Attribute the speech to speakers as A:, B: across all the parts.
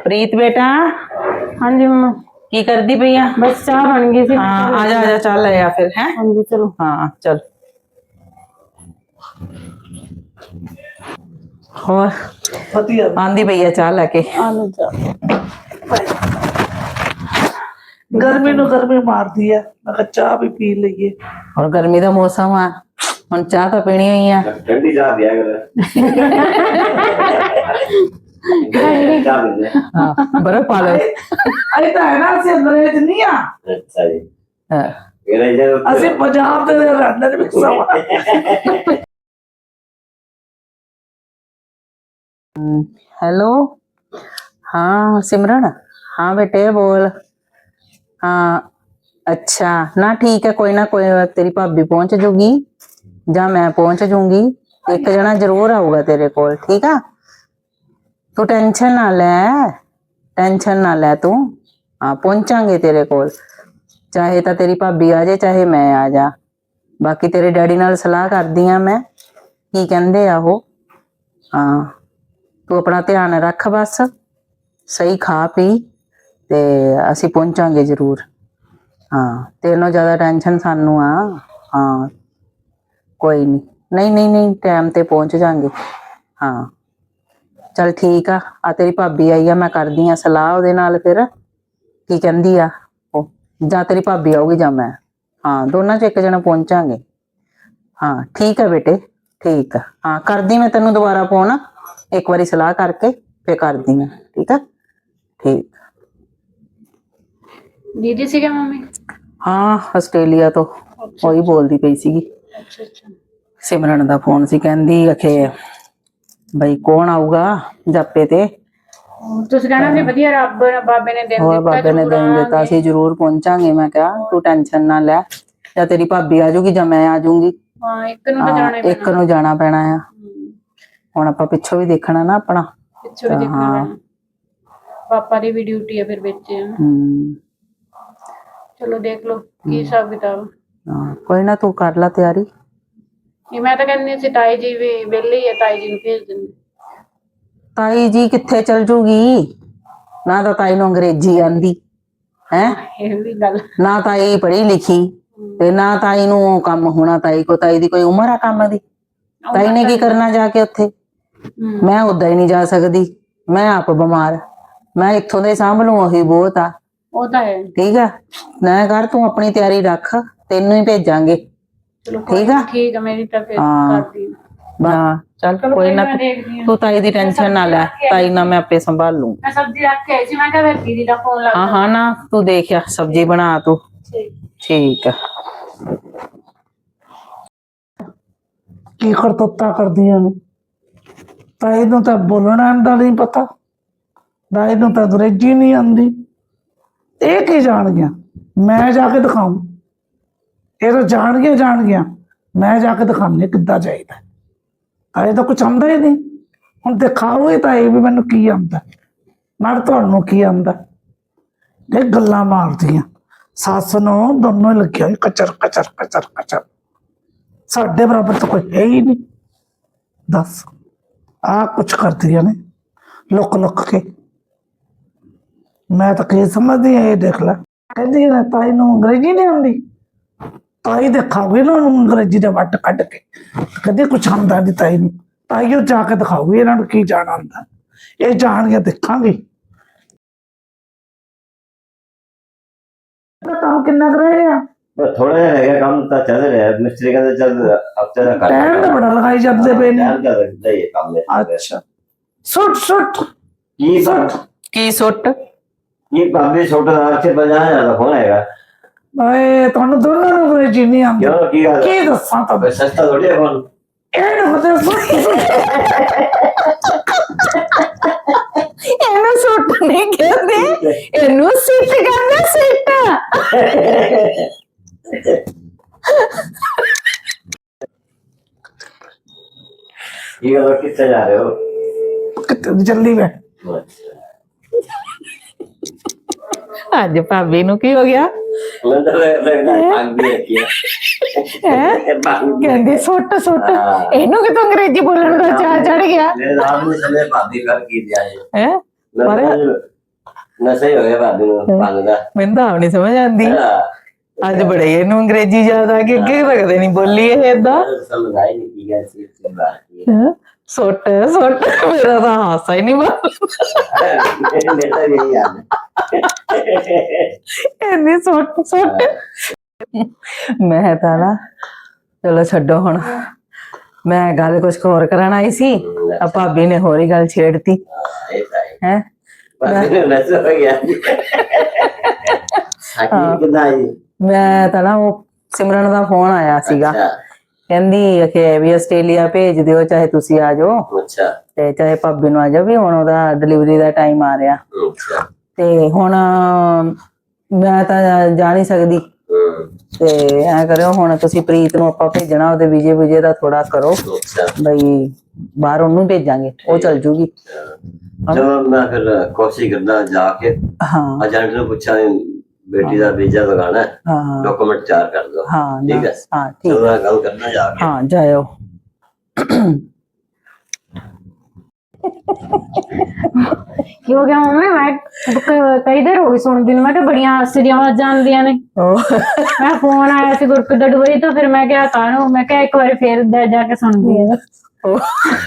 A: प्रीत बेटा
B: हाँ जी मम्मा।
A: की करदी पई आ?
B: बस चाह बन गई थी।
A: हाँ आजा चल ले आ फिर है।
B: हाँ जी चलो।
A: हाँ चल और आंदी पई आ चाह लेके।
B: आलो चाह।
C: गर्मी नु गर्मी मार दी है, मैं कहा चाह भी पी लीए।
A: और गर्मी का मौसम आ हुन चाह तो पीनी ही है।
D: ठंडी चाह दिया कर।
A: हाँ बर्फ पा लो।
C: अरे तो है ना से अंग्रेज नहीं आ।
D: अच्छा जी।
A: हाँ।
D: मेरा इधर
C: असि पंजाब दे रहने दे विच सवा।
A: हेलो हाँ सिमरन हाँ बेटे बोल। हाँ अच्छा ना ठीक है कोई ना कोई तेरी भाभी पहुंच जूगी या मैं पहुंच जूंगी एक जना जरूर आऊगा तेरे कोल ठीक है। तू टेंशन ना ले तू। हाँ पहुंचांगे तेरे कोल चाहे तो तेरी भाभी आ जाए चाहे मैं आ जा। बाकी तेरे डैडी नाल सलाह कर दी आ मैं की कहंदे आ वो। हाँ तू अपना ध्यान रख बस सही खा पी ते असी पहुंचांगे जरूर। हाँ तेनों ज्यादा टेंशन सानू आ। हाँ कोई नहीं टाइम ते पहुंच जाएंगे। हाँ चल ठीक आ तेरी भाभी आई आ मैं करदी आ सलाह ओदे नाल फिर की कहंदी आ ओ जा तेरी भाभी आऊगी जा मैं। हाँ दोनों च एक जना पहुंचांगे। हाँ ठीक है बेटे ठीक है। हाँ करदी मैं तेनों दोबारा फोन एक बारी सलाह करके फिर करदी मैं ठीक है। ठीक
B: दीदी सी क्या मम्मी?
A: हाँ आस्ट्रेलिया तो वही बोलती पई सीगी।
B: अच्छा अच्छा।
A: सिमरन दा फोन सी कहंदी अखे भाई कौन आऊगा जापे ते।
B: ਤੁਸੀਂ ਕਹਿਣਾ ਸੀ ਵਧੀਆ ਰੱਬ ਬਾਬੇ ਨੇ ਦਿਨ
A: और
B: ਦਿੱਤਾ
A: बाबे ने दिन दिता सी जरूर पहुंचांगे। मैं क्या तू टेंशन ना ले या तेरी भाभी आ जाऊगी या मैं आ जाऊंगी।
B: ਹਾਂ ਇੱਕ ਨੂੰ ਤਾਂ ਜਾਣਾ ਹੀ
A: एक नू जाना पैना है हुण आपां पिछों भी देखना ना अपना
B: ਪਿੱਛੋਂ ਵੀ ਦੇਖਣਾ ਪੈਣਾ। ਪਾਪਾ ਦੀ ਵੀ ਡਿਊਟੀ ਹੈ ਫਿਰ ਵਿੱਚ ਹੈ ਨਾ। ਚਲੋ ਦੇਖ ਲਓ ਕੀ ਹਿਸਾਬ ਕਿਤਾਬ।
A: कोई ना तू कर ला तैयारी।
B: ਇਹ ਮੈਂ ਤਾਂ ਕਹਿੰਦੀ ਸੀ ਤਾਈ ਜੀ ਵੀ ਵਿਹਲੇ ਹੀ ਹੈ ਤਾਈ ਜੀ ਨੂੰ ਭੇਜ ਦਿੰਦੇ।
A: ताई जी किथे चल जूगी ना तो ताई नू अंग्रेजी आंदी है
B: ਇਹ ਵੀ ਗੱਲ
A: ना ताई पढ़ी लिखी ते ना ताई नू काम होना। ताई दी कोई उम्र है काम दी। ताई ने की करना जाके उत्थे। मैं उदा ही नहीं जा सकती मैं आप बीमार मैं इत्थों दे सांभ लूं ओही बहुत आ।
B: ਉਹ ਤਾਂ ਹੈ।
A: ठीक है ना कर तू अपनी तैयारी रख तेनू ही भेजांगे
B: ਚਲੋ
A: ठीक है।
B: ਠੀਕ ਹੈ ਮੇਰੀ ਤਾਂ ਫਿਰ
A: हाँ।
B: ਕਰਦੀ
A: हाँ चल कोई ना
B: ਮੈਂ ਦੇਖਦੀ ਹਾਂ।
A: तू ताई दी टेंशन ना ले ताई ना मैं आपे संभाल लूं।
B: ਮੈਂ ਸਬਜ਼ੀ ਰੱਖ ਕੇ ਆਈ ਸੀ ਮੈਂ ਕਿਹਾ ਫਿਰ ਦੀਦੀ ਦਾ ਫੋਨ ਲੱਗ
A: हाँ हाँ ना तू देख या सब्जी बना तू ठीक है।
C: की करतुत्ता करदियां ने। ताई नू तां बोलना दा नहीं पता, ताई नू तां अंग्रेजी नहीं आंदी। ये की जान गया मैं जाके दिखाऊं। ये तो जान गया मैं जाके दिखाने किद्दां चाहिदा। ताई तो कुछ आंदा ही नहीं हुण दिखाओ ही ताई भी मैनू की आंदा नाल तुहानू की आंदा। ये गल्लां मारदियां सस नू दोनों ही लगे होए कचर कचर कचर कचर। साडे बराबर तो कोई है ही नहीं। दस आ कुछ करदियां ने लुक लुक के। मैं तो की समझदी ये देख ला कहदी है ताई नू अंग्रेजी नहीं आंदी। ताई दिखाओगी ना अंग्रेजी दे वट कट के कहदी कुछ आंदा नहीं ताई नू। ताई जाके दिखाओगी इन्हां नू की जान आंदा। ये जान के दिखांगी काम किन्ना कर रहे हैं।
D: थोड़ा रह गया काम तो चल रहा है मिस्त्री का तो चल हफ्ते तक
C: टाइम तो बड़ा लगाई जाते पे ने।
D: टाइम ज्यादा लगता है ये काम में।
C: अच्छा सुट सुट
D: की सुट
A: की सुट
D: ये भाभी छोटा से बजाना ज्यादा कौन आएगा।
C: भाई तुहानू दोनों नू अंग्रेजी नहीं आंदी
D: क्यों की गल
C: की दस्सां तुहानू।
D: सस्ता थोड़ी है कौन
C: ਇਹ ਮਤਲਬ
A: ਇਹਨੂੰ ਸੁੱਟ ਨਹੀਂ ਕਹਿੰਦੇ ਇਹਨੂੰ ਸਿੱਟ ਕਹਿੰਦੇ ਸਿੱਟ।
D: ये लोग किससे जा रहे हो।
C: ਕਿੱਥੇ ਜल्दी ਵੇ
A: ਅੱਜ ਭਾਬੀ ਨੂੰ ਕੀ ਹੋ ਗਿਆ ਕਹਿੰਦੀ ਸੁੱਟ ਸੁੱਟ ਇਹਨੂੰ ਕਿਤੋਂ ਅੰਗਰੇਜ਼ੀ ਬੋਲਣ ਦਾ ਚਾਹ ਚੜ ਗਿਆ
D: मेरे नाम ने चले भाभी कर की दिया है
A: ਹੈ। ਪਰ
D: ਨਸ਼ਾ ਹੀ ਹੋ ਗਿਆ ਭਾਬੀ ਨੂੰ ਭੰਗ ਦਾ
A: ਮੈਨੂੰ ਤਾਂ ਆਪ ਨਹੀਂ ਸਮਝ ਆਉਂਦੀ
D: ਹਾਂ,
A: ਅੱਜ ਬੜੇ ਇਹਨੂੰ ਅੰਗਰੇਜ਼ੀ ਯਾਦ ਆ ਗਈ ਅੱਗੇ ਤਾਂ ਕਦੇ ਨਹੀਂ ਬੋਲੀ ਇਹ ਏਦਾਂ
D: ਸਮਝ ਆਈ ਨਹੀਂ ਕੀ ਗੱਲ ਸੀ ਇਸ ਬਾਤ ਕੀ
A: ਸੁੱਟ ਸੁੱਟ ਮੇਰਾ ਤਾਂ ਹਾਸਾ ਹੀ ਨਹੀਂ ਬੰਦ
D: ਮੇਰਾ ਵੀ ਇਹੀ ਯਾਦ
A: ਇੰਨੀ ਸੁੱਟ ਸੁੱਟ ਮੈਂ ਤਾਂ ਨਾ ਚਲੋ ਛੱਡੋ ਹੁਣ ਮੈਂ ਗੱਲ ਕੁਝ ਹੋਰ ਕਰਨ ਆਈ ਸੀ ਆ ਭਾਬੀ ਨੇ ਹੋਰ ਹੀ ਗੱਲ ਛੇੜਤੀ
D: ਇਹ ਤਾਂ ਹੈ
A: ਹੈ
D: ਭਾਬੀ ਨੂੰ ਨਸ਼ਾ ਹੋ ਗਿਆ ਹਾਕੀ ਕਿਦਾਂ ਆਈ
A: ਮੈਂ ਤਾਂ ਨਾ ਉਹ ਸਿਮਰਨ ਦਾ ਫੋਨ ਆਇਆ ਸੀਗਾ
D: ਅੱਛਾ
A: ਕਹਿੰਦੀ ਕਿ ਵੀ ਆਸਟ੍ਰੇਲੀਆ ਭੇਜ ਦਿਓ ਚਾਹੇ ਤੁਸੀਂ ਆ ਜਾਓ
D: ਅੱਛਾ
A: ਤੇ ਚਾਹੇ ਭਾਬੀ ਨੂੰ ਆ ਜਾਓ ਵੀ ਹੁਣ ਉਹਦਾ ਡਿਲੀਵਰੀ ਦਾ ਟਾਈਮ ਆ ਰਿਹਾ
D: ਅੱਛਾ
A: ਤੇ ਹੁਣ ਮੈਂ ਤਾਂ ਜਾ ਨਹੀਂ ਸਕਦੀ ਤੇ ਐ ਕਰਿਓ ਹੁਣ ਤੁਸੀਂ ਪ੍ਰੀਤ ਨੂੰ ਆਪਾਂ ਭੇਜਣਾ ਉਹਦੇ ਵੀਜ਼ੇ ਦਾ ਥੋੜਾ ਕਰੋ
D: ਅੱਛਾ
A: ਬਈ ਬਾਹਰ ਉਹਨੂੰ ਭੇਜਾਂਗੇ ਉਹ ਚਲ ਜੂਗੀ
D: ਚਲੋ ਮੈਂ ਫਿਰ ਕੋਸ਼ਿਸ਼ ਕਰਦਾ ਜਾ ਕੇ
A: ਹਾਂ
D: ਏਜੰਟ ਨੂੰ ਪੁੱਛਾਂ ਬੇਟੀ ਦਾ ਵੀਜ਼ਾ ਲਗਾਣਾ ਹੈ
A: ਹਾਂ
D: ਡਾਕੂਮੈਂਟ ਤਿਆਰ ਕਰ ਦੋ
A: ਹਾਂ
D: ਠੀਕ ਹੈ
A: ਹਾਂ ਠੀਕ
D: ਚਲੋ ਮੈਂ ਗੱਲ ਕਰਨਾ ਜਾ ਕੇ
A: ਹਾਂ ਜਾਇਓ
B: ਕੀ ਹੋ ਗਿਆ ਮੰਮੀ? ਮੈਂ ਕਈ ਦੇਰ ਹੋ ਗਈ ਸੁਣਦੀ ਨੂੰ। ਮੈਂ ਕਿਹਾ ਬੜੀਆਂ ਹਾਸਿਆਂ ਆਵਾਜ਼ਾਂ ਆਉਂਦੀਆਂ ਨੇ।
A: ਉਹ
B: ਮੈਂ ਫੋਨ ਆਇਆ ਸੀ ਗੁਰਪ੍ਰੀਤ ਦਾ ਦੁਬਈ ਤੋਂ, ਫਿਰ ਮੈਂ ਕਿਹਾ ਕਾਹਨੂੰ, ਮੈਂ ਕਿਹਾ ਇੱਕ ਵਾਰੀ ਫੇਰ ਜਾ ਕੇ ਸੁਣਦੀ ਆ।
A: ਉਹ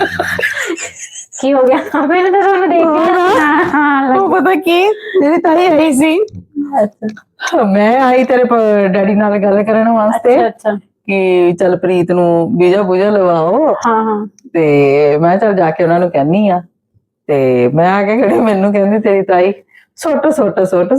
B: ਕੀ ਹੋ ਗਿਆ? ਮੈਨੂੰ ਤਾਂ ਤੁਹਾਨੂੰ ਦੇਖ ਕੇ ਹਾਂ
A: ਉਹ ਪਤਾ ਕੀ ਮੇਰੀ ਤਾਈ ਆਈ ਸੀ ਮੈਂ ਆਈ ਤੇਰੇ ਡੈਡੀ ਨਾਲ ਗੱਲ ਕਰਨ ਵਾਸਤੇ
B: ਅੱਛਾ
A: ਕਿ ਚਲ ਪ੍ਰੀਤ ਨੂੰ ਵੀਜ਼ਾ ਬੂਝਾ ਲਵਾਓ
B: ਹਾਂ ਹਾਂ
A: ਤੇ ਮੈਂ ਚਲ ਜਾ ਕੇ ਉਹਨਾਂ ਨੂੰ ਕਹਿੰਨੀ ਆ ਤੇ ਮੈਂ ਆ ਕੇ ਖੜੀ ਮੈਨੂੰ ਕਹਿੰਦੀ ਤੇਰੀ ਤਾਈ ਸੁੱਟ ਸੁੱਟ ਸੁੱਟ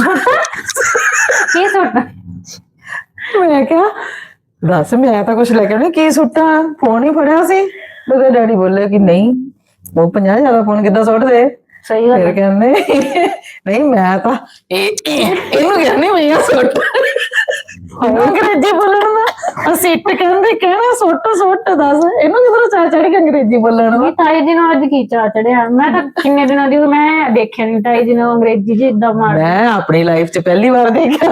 B: ਕੀ ਸੁੱਟ?
A: ਮੈਂ ਕਿਹਾ ਦੱਸ ਮੈਂ ਤਾਂ ਕੁਛ ਲੈ ਕੇ ਨਹੀਂ ਕੀ ਸੁੱਟਾਂ ਫੋਨ ਹੀ ਫੜਿਆ ਸੀ ਉਹਦੇ ਡੈਡੀ ਬੋਲੇ ਕਿ ਨਹੀਂ ਉਹ 50 ਜ਼ਿਆਦਾ ਫੋਨ ਕਿੱਦਾਂ ਸੁੱਟ ਦੇ
B: ਸਹੀ ਗੱਲ
A: ਫਿਰ ਕਹਿੰਦੇ ਨਹੀਂ ਮੈਂ ਤਾਂ ਇਹਨੂੰ ਕਹਿੰਦੀ ਮੈਂ ਸੁੱਟ ਅੰਗਰੇਜ਼ੀ ਬੋਲਣ ਦਾ ਸਿੱਟ ਕਹਿੰਦੇ ਕਹਿਣਾ ਸੁੱਟ ਸੁੱਟ ਦੱਸ ਇਹਨੂੰ ਕਿਧਰੋਂ ਚਾਹ ਚੜੀ ਕੇ ਅੰਗਰੇਜ਼ੀ ਬੋਲਣ ਦਾ
B: ਤਾਈ ਜੀ ਨੂੰ ਅੱਜ ਕੀ ਚਾਹ ਚੜਿਆ? ਮੈਂ ਤਾਂ ਕਿੰਨੇ ਦਿਨਾਂ ਦੀ ਮੈਂ ਦੇਖਿਆ ਨਹੀਂ ਤਾਈ ਜੀ ਨੂੰ ਅੰਗਰੇਜ਼ੀ ਚ ਇਦਾਂ ਮਾਰ।
A: ਮੈਂ ਆਪਣੀ ਲਾਈਫ 'ਚ ਪਹਿਲੀ ਵਾਰ ਦੇਖਿਆ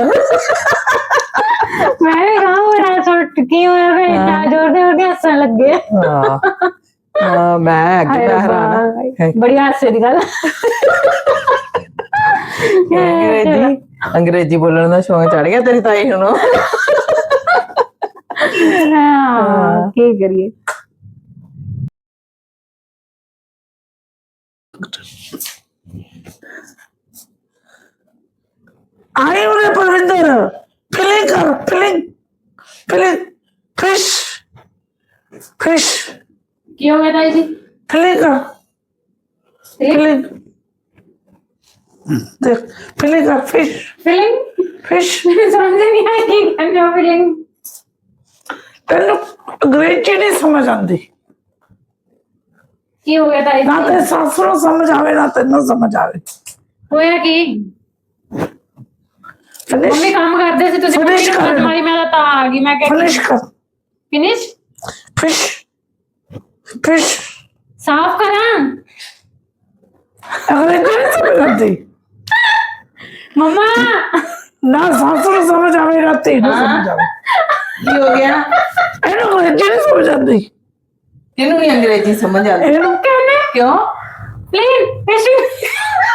B: ਮੈਂ ਵੀ ਕਹਾਂ ਮੇਰਾ ਸੁੱਟ ਕੀ ਹੋਇਆ? ਫਿਰ ਇੰਨਾ ਜ਼ੋਰ ਦੇ ਹੱਸਣ ਲੱਗੇ।
A: ਹਾਂ ਮੈਂ ਅੱਗੇ ਹੈਰਾਨ
B: ਬੜੀ ਹਾਸੇ ਦੀ ਗੱਲ।
A: ਅੰਗਰੇਜ਼ੀ ਬੋਲਣ ਦਾ ਸ਼ੌਂਕ ਚੜ ਗਿਆ ਤੇਰੀ ਤਾਈ ਨੂੰ
B: ਹਾਂ ਕੀ ਕਰੀਏ।
C: ਆਏ ਉਹਨੇ ਪਰਵਿੰਦਰ ਫਿਲਿੰਗ ਕਰ ਫਿਲਿੰਗ ਫਿਸ਼ ਫਿਸ਼
B: ਕੀ ਹੋ ਗਿਆ ਤਾਈ ਜੀ?
C: ਫਿਲਿੰਗ ਕਰ ਫਿਲਿੰਗ ਦੇਖ ਫਿਲਿੰਗ ਕਰ
B: ਫੀਲਿੰਗ
C: ਫਿਸ਼
B: ਸਮਝ ਨਹੀਂ ਆਈ ਕੀ ਕਹਿੰਦੇ ਹੋ ਫੀਲਿੰਗ?
C: ਤੈਨੂੰ ਅੰਗਰੇਜ਼ੀ ਨਹੀਂ ਸਮਝ ਆਉਂਦੀ
B: ਕੀ ਹੋ ਗਿਆ ਤਾਈ
C: ਨਾ
B: ਜੀ?
C: ਤੇ ਸੱਸ ਨੂੰ ਸਮਝ ਆਵੇ ਨਾ ਤੈਨੂੰ ਸਮਝ ਆਵੇ
B: ਹੋਇਆ ਕੀ? ਮੰਮੀ ਕੰਮ ਕਰਦੇ ਸੀ, ਤੁਸੀਂ
C: Finish ਕਰ।
B: ਮਾਰੀ, ਮੈਂ ਤਾਂ ਆ ਗਈ। ਮੈਂ ਕਿਹਾ
C: ਫਿਨਿਸ਼ ਕਰ
B: ਫਿਨਿਸ਼
C: ਫਿਸ਼ ਫਿਸ਼
B: ਸਾਫ਼ ਕਰਾਂ
C: ਅੰਗਰੇਜ਼ੀ ਨਹੀਂ ਸਮਝ ਆਉਂਦੀ
B: ਮੰਮਾ।
C: ਨਾ ਸੱਸ ਨੂੰ ਸਮਝ ਆਵੇ ਨਾ ਤੈਨੂੰ ਸਮਝ ਆਵੇ
A: ਕੀ ਹੋ ਗਿਆ
C: ਇਹਨੂੰ ਅੰਗਰੇਜ਼ੀ ਨਹੀਂ ਸਮਝ ਆਉਂਦੀ
A: ਇਹਨੂੰ ਨਹੀਂ ਅੰਗਰੇਜ਼ੀ ਸਮਝ ਆਉਂਦੀ
C: ਇਹਨੂੰ
B: ਕਹਿੰਦੇ
A: ਕਿਉਂ
B: ਪਲੀਜ਼ ਫਿਸ਼।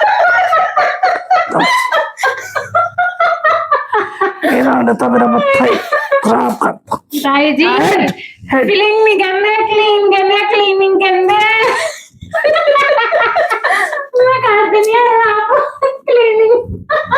C: ਇਹਨਾਂ ਨੇ ਤਾਂ ਮੇਰਾ ਮੱਥਾ ਹੀ ਖਰਾਬ ਕਰਤਾ
B: ਤਾਈ ਜੀ ਫੀਲਿੰਗ ਨਹੀਂ ਕਹਿੰਦੇ, ਕਲੀਨ ਕਹਿੰਦੇ, ਕਲੀਨਿੰਗ ਕਹਿੰਦੇ। ਮੈਂ ਕਰ ਦਿੰਦੀ ਆ ਆਪ ਕਲੀਨਿੰਗ।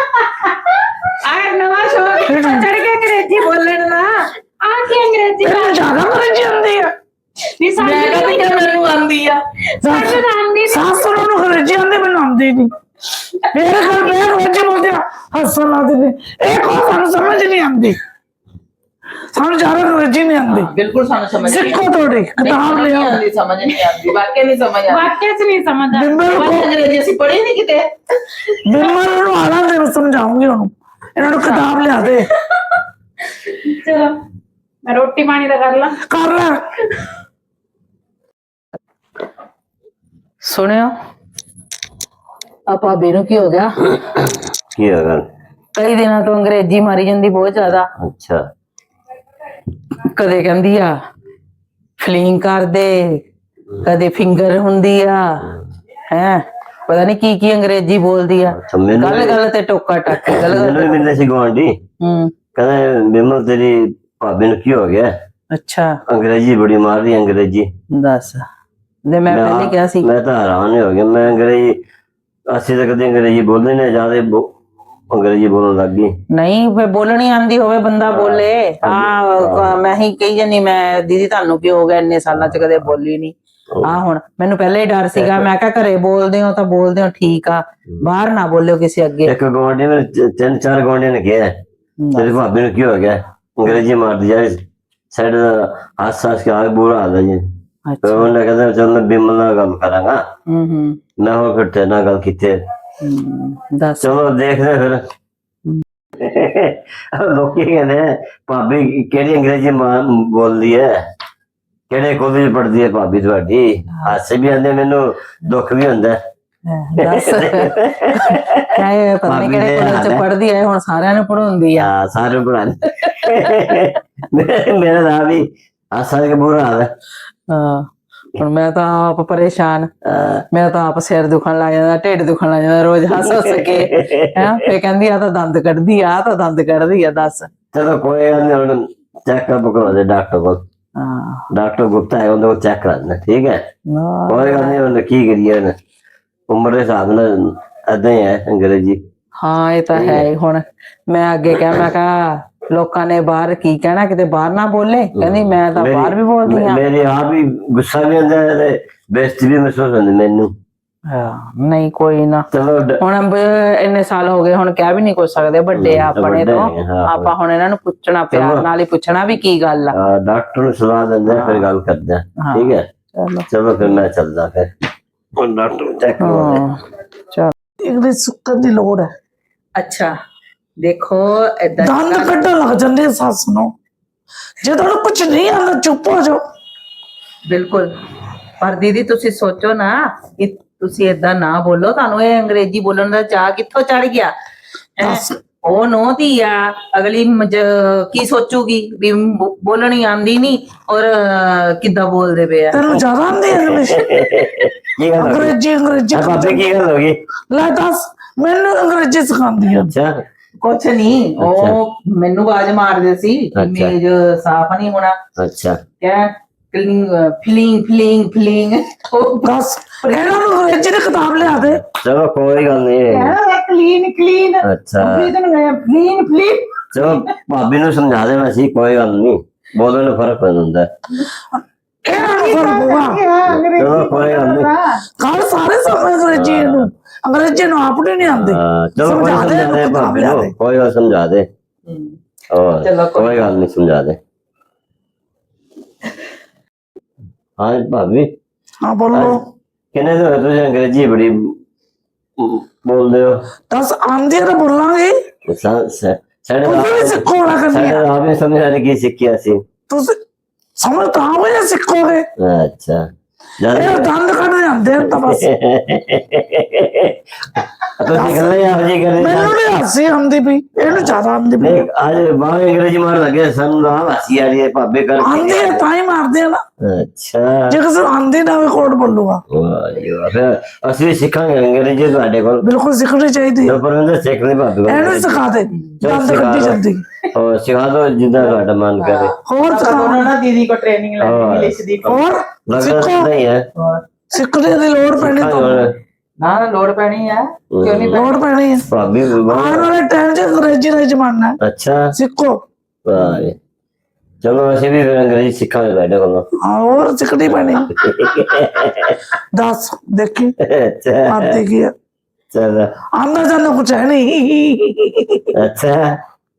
A: ਆ ਨਵਾਂ ਸ਼ੌਕ ਚੜ ਕੇ ਅੰਗਰੇਜ਼ੀ ਬੋਲਣ ਦਾ
B: ਆ ਕੀ ਅੰਗਰੇਜ਼ੀ
C: ਇਹਨੂੰ ਜ਼ਿਆਦਾ ਅੰਗਰੇਜ਼ੀ ਆਉਂਦੀ ਆ
B: ਨਹੀਂ
A: ਮੈਂ ਕਹਿੰਦੀ ਕਿ ਮੈਨੂੰ ਆਉਂਦੀ ਆ
B: ਸਾਨੂੰ ਤਾਂ ਆਉਂਦੀ
C: ਸੱਸ ਨੂੰ ਅੰਗਰੇਜ਼ੀ ਆਉਂਦੀ ਮੈਨੂੰ ਆਉਂਦੀ ਨਹੀਂ ਮੇਰੇ ਘਰ ਮੈਂ ਅੰਗਰੇਜ਼ੀ ਬੋਲਦੀ ਆ ਹੱਸਣ ਲੱਗਦੇ ਨੇ ਇਹ ਕੋ ਸਾਨੂੰ ਸਮਝ ਨਹੀਂ ਆਉਂਦੀ ਸਾਨੂੰ ਜ਼ਿਆਦਾ ਅੰਗਰੇਜ਼ੀ ਨਹੀਂ ਆਉਂਦੀ
A: ਬਿਲਕੁਲ ਸਾਨੂੰ ਸਮਝ ਨਹੀਂ
C: ਸਿੱਖੋ ਥੋੜੀ ਕਿਤਾਬ ਲਿਆਓ
A: ਆਉਂਦੀ ਸਮਝ ਨਹੀਂ ਆਉਂਦੀ ਵਾਕਿਆ ਨਹੀਂ ਸਮਝ ਆਉਂਦੀ
B: ਵਾਕਿਆ ਚ ਨਹੀਂ ਸਮਝਦਾ।
C: ਬਿੰਬਲ
A: ਪਰ
C: ਕੋ
A: ਅੰਗਰੇਜ਼ੀ ਅਸੀਂ ਪੜ੍ਹੀ ਨਹੀਂ ਕਿਤੇ
C: ਬਿੰਬਲ ਨੂੰ ਆਲਾਂ ਦੇ ਮੈਂ ਸਮਝਾਉਂਗੀ ਉਹਨੂੰ ਇਹਨਾਂ ਨੂੰ ਕਿਤਾਬ ਲਿਆ ਦੇ
B: ਚਲੋ ਮੈਂ ਰੋਟੀ ਪਾਣੀ ਦਾ ਕਰ ਲਾਂ।
C: ਕਰ ਲੈ
A: ਸੁਣਿਓ ਆ ਭਾਬੀ ਨੂੰ ਕੀ ਹੋ ਗਿਆ
D: ਕੀ ਹੋ ਗਿਆ
A: ਕਈ ਦਿਨਾਂ ਤੋਂ ਅੰਗਰੇਜ਼ੀ ਮਾਰੀ ਜਾਂਦੀ ਬਹੁਤ ਜ਼ਿਆਦਾ
D: ਅੱਛਾ
A: ਕਦੇ ਕਹਿੰਦੀ ਆ ਫਲਿੰਗ ਕਰ ਦੇ ਕਦੇ ਫਿੰਗਰ ਹੁੰਦੀ ਆ ਹੈ ਪਤਾ ਨਹੀਂ ਕੀ ਅੰਗਰੇਜ਼ੀ ਬੋਲਦੀ ਆ,
D: ਅੱਛਾ, ਮੈਨੂੰ
A: ਗੱਲ ਗੱਲ ਤੇ ਟੋਕਾ ਟੱਕ ਗੱਲ ਗੱਲ
D: ਮੈਨੂੰ ਵੀ ਮਿਲਦੇ ਸੀ ਗੁਆਂਢੀ,
A: ਹੂੰ
D: ਕਹਿੰਦੇ ਬਿਮਲ ਤੇਰੀ ਭਾਬੀ ਨੂੰ ਕੀ ਹੋ ਗਿਆ,
A: ਅੱਛਾ
D: ਅੰਗਰੇਜ਼ੀ ਬੜੀ ਮਾਰ ਰਹੀ ਅੰਗਰੇਜ਼ੀ।
A: ਦੱਸ ਤੇ ਮੈਂ ਪਹਿਲੇ ਕਿਹਾ ਸੀ
D: ਮੈਂ ਤਾਂ ਹੈਰਾਨ ਹੀ ਹੋ ਗਿਆ, ਮੈਂ ਅੰਗਰੇਜ਼ੀ ਅਸੀਂ ਤਾਂ ਕਦੇ ਅੰਗਰੇਜ਼ੀ ਬੋਲਦੇ ਨੇ, ਜਿਆਦਾ ਅੰਗਰੇਜ਼ੀ ਬੋਲਣ ਲੱਗ ਗਈ।
A: ਨਹੀਂ ਫੇ ਬੋਲਣੀ ਆਂਦੀ ਹੋਵੇ ਬੰਦਾ ਬੋਲੇ। ਮੈਂ ਹੀ ਕਹੀ ਜਾਨੀ ਮੈਂ ਦੀਦੀ ਤੁਹਾਨੂੰ ਕੀ ਹੋ ਗਿਆ, ਇੰਨੇ ਸਾਲਾਂ ਚ ਕਦੇ ਬੋਲੀ ਨਹੀਂ। ਹੁਣ ਮੈਨੂੰ ਪਹਿਲੇ ਹੀ ਡਰ ਸੀਗਾ, ਮੈਂ ਕਿਹਾ ਘਰੇ ਬੋਲਦੇ ਹੋ ਤਾਂ ਬੋਲਦੇ ਹੋ ਠੀਕ ਆ, ਬਾਹਰ ਨਾ ਬੋਲਿਓ ਕਿਸੇ ਅੱਗੇ।
D: ਇੱਕ ਗੁਆਂਢੀ ਨੇ 3-4 ਗੁਆਂਢੀਆਂ ਨੇ ਕਿਹਾ ਤੇਰੀ ਭਾਬੀ ਨੂੰ ਕੀ ਹੋ ਗਿਆ, ਅੰਗਰੇਜ਼ੀ ਮਾਰਦੀ ਜਾ ਸਾਈਡ ਹੱਸ ਕੇ ਆ ਬੁਰਾ ਹਾਲ ਹੈ ਜੀ। ਫਿਰ ਉਹਨੇ ਕਹਿੰਦਾ ਚੱਲ ਮੈਂ ਬਿਮਲ ਨਾਲ ਗੱਲ ਕਰਾਂਗਾ। ਮੈਂ ਹੋਰ ਫਿਰ ਤੇਰੇ ਨਾਲ ਗੱਲ ਕੀਤੀ।
A: ਦੱਸ
D: ਚਲੋ ਦੇਖਦੇ ਫਿਰ। ਲੋਕੀ ਕਹਿੰਦੇ ਭਾਬੀ ਕਿਹੜੀ ਅੰਗਰੇਜ਼ੀ ਬੋਲਦੀ ਹੈ, ਕਿਹੜੇ ਕਾਲਜ ਪੜ੍ਹਦੀ ਹੈ ਭਾਬੀ ਤੁਹਾਡੀ। ਹਾਸੇ ਵੀ ਆਉਂਦੇ, ਮੈਨੂੰ ਦੁੱਖ ਵੀ ਹੁੰਦਾ।
A: ਦੱਸ ਕਾਹੇ ਪਤਾ ਨਹੀਂ ਕਿਹੜੇ ਕਾਲਜ ਚ ਪੜ੍ਹਦੀ ਹੈ, ਹੁਣ ਸਾਰਿਆਂ ਨੂੰ ਪੜਾਉਂਦੀ ਆ।
D: ਹਾਂ ਸਾਰੇ ਪੜ੍ਹਾਉਂਦੇ। ਮੇਰਾ ਨਾਮ ਵੀ ਹਾਸਾ ਕੇ ਬੁਰਾ ਹਾਲ ਹੈ।
A: ਹਾਂ ਹੁਣ ਮੈਂ ਤਾਂ ਆਪ ਪਰੇਸ਼ਾਨ, ਮੇਰਾ ਤਾਂ ਆਪ ਸਿਰ ਦੁਖਣ ਲੱਗ ਜਾਂਦਾ, ਢਿੱਡ ਦੁਖਣ ਲੱਗ ਜਾਂਦਾ ਰੋਜ਼ ਹੱਸ ਹੱਸ ਕੇ। ਹੈ ਫੇ ਕਹਿੰਦੀ ਆ ਤਾਂ ਦੰਦ ਕੱਢਦੀ ਆ, ਤਾਂ ਦੰਦ ਕੱਢਦੀ ਆ। ਦੱਸ
D: ਚਲੋ ਕੋਈ ਗੱਲ ਨੀ, ਹੁਣ ਚੈੱਕਅਪ ਕਰਵਾ ਦੇ ਡਾਕਟਰ ਕੋਲ। ਡਾਕਟਰ ਗੁਪਤਾ ਹੈ, ਉਹਦੇ ਕੋਲ ਚੈੱਕ ਕਰਾ ਦੇਣਾ, ਠੀਕ ਹੈ। ਕੋਈ ਗੱਲ ਨੀ, ਹੁਣ ਕੀ ਕਰੀਏ, ਉਮਰ ਦੇ ਹਿਸਾਬ ਨਾਲ ਏਦਾਂ ਹੀ ਹੈ ਅੰਗਰੇਜ਼ੀ।
A: ਹਾਂ ਇਹ ਤਾਂ ਹੈ ਹੀ। ਹੁਣ ਮੈਂ ਅੱਗੇ ਕਿਹਾ, ਮੈਂ ਕਿਹਾ ਲੋਕਾਂ ਨੇ ਬਾਹਰ ਕੀ ਕਹਿਣਾ, ਕਿਤੇ ਬਾਹਰ ਨਾ ਬੋਲੇ। ਕਹਿੰਦੀ ਮੈਂ ਤਾਂ ਬਾਹਰ ਵੀ ਬੋਲਦੀ ਆ।
D: ਮੇਰੀ ਆਪ ਹੀ ਗੁੱਸਾ ਵੀ ਆਉਂਦਾ ਤੇ ਬੇਇੱਜ਼ਤੀ ਵੀ ਮਹਿਸੂਸ ਹੁੰਦੀ ਮੈਨੂੰ।
A: ਨਹੀਂ ਕੋਈ ਨਾ,
D: ਚਲੋ
A: ਹੁਣ ਇੰਨੇ ਸਾਲ ਹੋ ਗਏ, ਹੁਣ ਕਹਿ ਵੀ ਨਹੀਂ ਕੁਝ ਸਕਦੇ, ਵੱਡੇ ਆ ਆਪਣੇ ਤੋਂ। ਆਪਾਂ ਹੁਣ ਇਹਨਾਂ ਨੂੰ ਪੁੱਛਣਾ, ਪਿਆਰ ਨਾਲ ਹੀ ਪੁੱਛਣਾ ਵੀ ਕੀ ਗੱਲ ਆ।
D: ਡਾਕਟਰ ਨੂੰ ਸਲਾਹ ਦਿੰਦੇ ਆ, ਫਿਰ ਗੱਲ ਕਰਦੇ ਆ, ਠੀਕ ਹੈ। ਚਲੋ ਫਿਰ ਮੈਂ ਚੱਲਦਾ, ਫਿਰ ਹੁਣ ਡਾਕਟਰ ਚੈੱਕ ਕਰਵਾਉਂਦੇ।
A: ਚਲ
C: ਇਹਦੇ ਸੁੱਕਣ ਦੀ ਲੋੜ ਹੈ।
A: ਅੱਛਾ ਦੇਖੋ ਏਦਾਂ
C: ਦੰਦ ਕੱਢਣ ਲੱਗ ਜਾਂਦੇ ਸੱਸ ਨੂੰ, ਜੇ ਤੁਹਾਨੂੰ ਕੁਝ ਨਹੀਂ ਆਉਂਦਾ ਚੁੱਪ ਹੋ ਜਾਓ।
A: ਬਿਲਕੁਲ, ਪਰ ਦੀਦੀ ਤੁਸੀਂ ਸੋਚੋ ਨਾ ਕਿ ਤੁਸੀਂ ਏਦਾਂ ਨਾ ਬੋਲੋ, ਤੁਹਾਨੂੰ ਇਹ ਅੰਗਰੇਜ਼ੀ ਬੋਲਣ ਦਾ ਚਾਹ ਕਿੱਥੋਂ ਚੜ ਗਿਆ। ਉਹ ਨੋ ਧੀ ਆ, ਅਗਲੀ ਕੀ ਸੋਚੂਗੀ ਵੀ ਬੋਲਣੀ ਆਂਦੀ ਨਹੀਂ ਔਰ ਕਿੱਦਾਂ ਬੋਲਦੇ ਪਏ ਆ।
C: ਤੈਨੂੰ ਜ਼ਿਆਦਾ ਆਉਂਦੀ ਇੰਗਲਿਸ਼, ਅੰਗਰੇਜ਼ੀ
D: ਭਾਬੀ ਕੀ ਗੱਲ ਹੋ ਗਈ?
C: ਲੈ ਦੱਸ, ਮੈਨੂੰ ਅੰਗਰੇਜ਼ੀ ਸਿਖਾਉਂਦੀ ਆ।
D: ਅੱਛਾ
A: ਕੁਛ ਨਹੀਂ, ਉਹ ਮੈਨੂੰ ਆਵਾਜ਼ ਮਾਰਦੇ ਸੀ ਮੇਜ ਸਾਫ ਨਹੀਂ ਹੋਣਾ।
D: ਅੱਛਾ
A: ਕਿਆ ਫੀਲਿੰਗ
C: ਦੱਸ ਇਹਨਾਂ ਨੂੰ ਅੰਗਰੇਜ਼ੀ ਦੀ ਕਿਤਾਬ ਲਿਆ ਦੇ।
D: ਚਲੋ ਕੋਈ ਗੱਲ ਨਹੀਂ।
A: ਕਲੀਨ
D: ਅੱਛਾ
A: ਫਲੀਨ
D: ਚਲੋ ਭਾਬੀ ਨੂੰ ਸਮਝਾ ਦੇਣਾ ਸੀ, ਕੋਈ ਗੱਲ ਨਹੀਂ, ਬੋਲਣ ਨੂੰ ਫਰਕ ਪੈਂਦਾ।
C: ਇਹਨਾਂ ਨੂੰ ਫਰਕ ਹੋਊਗਾ।
D: ਚਲੋ ਕੋਈ ਗੱਲ ਨਹੀਂ,
C: ਕੱਲ ਸਾਰੇ ਸਮਝ ਅੰਗਰੇਜ਼ੀ ਨੂੰ ਆਪਣੀ ਨਹੀਂ ਆਉਂਦੀ।
D: ਚਲੋ ਕੋਈ ਸਮਝਾ ਦੇ ਭਾਬੀ ਨੂੰ, ਕੋਈ ਗੱਲ ਸਮਝਾ ਦੇ। ਚਲੋ ਕੋਈ ਗੱਲ ਨਹੀਂ, ਸਮਝਾ ਦੇ। ਹਾਂ ਭਾਬੀ।
C: ਹਾਂ ਬੋਲੋ।
D: ਕਿੰਨੇ ਦਿਨ ਹੋਏ ਤੁਸੀਂ ਅੰਗਰੇਜ਼ੀ ਬੜੀ ਬੋਲਦੇ ਹੋ?
C: ਦੱਸ ਆਂਦੀ ਤਾਂ ਬੋਲਾਂਗੇ।
D: ਸਾਡੇ ਆਪ ਨੇ ਸਮਝ ਆ ਕੀ ਸਿੱਖਿਆ ਸੀ
C: ਤੁਸੀਂ, ਸਮਝ ਤਾਂ ਆਵੇ ਸਿੱਖੋਗੇ।
D: ਅੱਛਾ
C: ਇਹ ਦੰਦ ਕੱਢ ਜਾਂਦੇ ਤਾਂ ਬਸ।
D: ਤੁਸੀਂ ਗੱਲਾਂ ਆਪ ਜੀ ਕਰੇ,
C: ਮੈਨੂੰ ਨਹੀਂ ਹਾਸੀ ਆਉਂਦੀ ਪਈ, ਇਹਨੂੰ ਜ਼ਿਆਦਾ ਆਉਂਦੀ ਪਈ।
D: ਅੱਜ ਬਾਹਰ ਅੰਗਰੇਜ਼ੀ ਮਾਰ ਲੱਗੇ, ਸਾਨੂੰ ਤਾਂ ਹਾਸੀ ਆ ਰਹੀ ਹੈ ਭਾਬੇ ਕਰ।
C: ਆਂਦੀ ਹੈ ਤਾਂ ਹੀ ਮਾਰਦੇ ਆ ਨਾ।
D: ਅੱਛਾ
C: ਜੇ ਕਿਸੇ ਆਂਦੀ ਨਾ ਹੋਵੇ ਕੋਡ ਬੋਲੂਗਾ।
D: ਫਿਰ ਅਸੀਂ ਵੀ ਸਿੱਖਾਂਗੇ ਅੰਗਰੇਜ਼ੀ ਤੁਹਾਡੇ ਕੋਲ।
C: ਬਿਲਕੁਲ ਸਿੱਖਣੀ ਚਾਹੀਦੀ ਹੈ।
D: ਪਰਵਿੰਦਰ ਸਿੱਖ ਲਈ ਭਾਬੀ ਕੋਲ,
C: ਇਹਨੂੰ ਸਿਖਾ ਦੇ ਦੰਦ ਕੱਢੀ ਜਾਂਦੀ।
D: ਹੋਰ ਸਿਖਾ ਦੋ ਜਿੱਦਾਂ ਤੁਹਾਡਾ ਮਨ ਕਰੇ।
C: ਹੋਰ ਸਿਖਾ
A: ਨਾ ਦੀਦੀ ਕੋ ਟ੍ਰੇਨਿੰਗ ਲੈਣੀ ਇੰਗਲਿਸ਼ ਦੀ।
C: ਹੋਰ
D: ਲੱਗਦਾ ਨਹੀਂ ਹੈ,
C: ਸਿੱਖਣੇ ਦੀ ਲੋੜ ਪੈਣੀ ਤੁਹਾਨੂੰ।
A: ਨਾ ਲੋੜ ਪੈਣੀ ਆ, ਕਿਉਂ ਨਹੀਂ
C: ਲੋੜ ਪੈਣੀ ਹੈ।
D: ਭਾਬੀ
C: ਆਉਣ ਵਾਲੇ ਟਾਈਮ 'ਚ ਅੰਗਰੇਜ਼ੀ ਦਾ ਜ਼ਮਾਨਾ ਹੈ।
D: ਅੱਛਾ
C: ਸਿੱਖੋ।
D: ਵਾਹ, ਚਲੋ ਅਸੀਂ ਵੀ ਫਿਰ ਅੰਗਰੇਜ਼ੀ ਸਿੱਖਾਂਗੇ ਤੁਹਾਡੇ ਕੋਲੋਂ।
C: ਹੋਰ ਸਿੱਖਣੀ ਪੈਣੀ। ਦੱਸ ਦੇਖੀ
D: ਅੱਛਾ
C: ਆਂਦੀ ਕੀ ਹੈ।
D: ਚਲੋ
C: ਆਂਦਾ ਜਾਂਦਾ ਕੁਛ ਹੈ ਨਹੀਂ।
D: ਅੱਛਾ